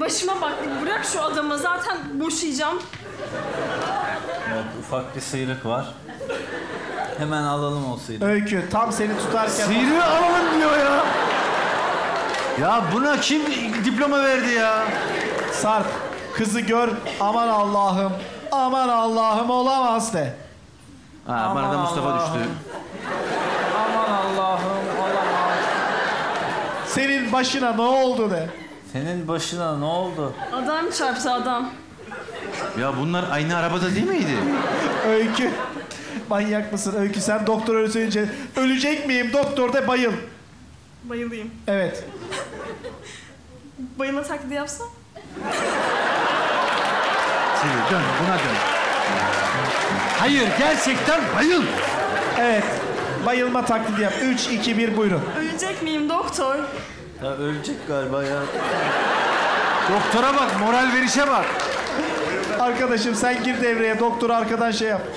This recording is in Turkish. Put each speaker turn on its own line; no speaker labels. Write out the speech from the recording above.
başıma bak. Bırak şu adamı. Zaten boşayacağım.
Evet, ufak bir sıyrık var. Hemen alalım o sıyrığı.
Öykü tam seni tutarken...
Sıyrığı alalım diyor ya. Ya buna kim diploma verdi ya?
Sarp, kızı gör, aman Allah'ım, aman Allah'ım olamaz de.
Ha, bana da Mustafa
Allah'ım.
düştü.
Aman Allah'ım olamaz. Senin başına ne oldu de.
Senin başına ne oldu?
Adam çarptı adam.
Ya bunlar aynı arabada değil miydi?
Öykü, manyak mısın Öykü? Sen doktor öyle söyleyince ölecek miyim doktor de bayıl.
Bayılayım.
Evet.
Bayılma taklidi yapsam?
Seni dön, buna dön. Hayır, gerçekten bayıl.
Evet. Bayılma taklidi yap. 3, 2, 1 buyurun.
Ölecek miyim doktor?
Ya ölecek galiba ya.
Doktora bak, moral verişe bak.
Arkadaşım sen gir devreye. Doktoru arkadan şey yap.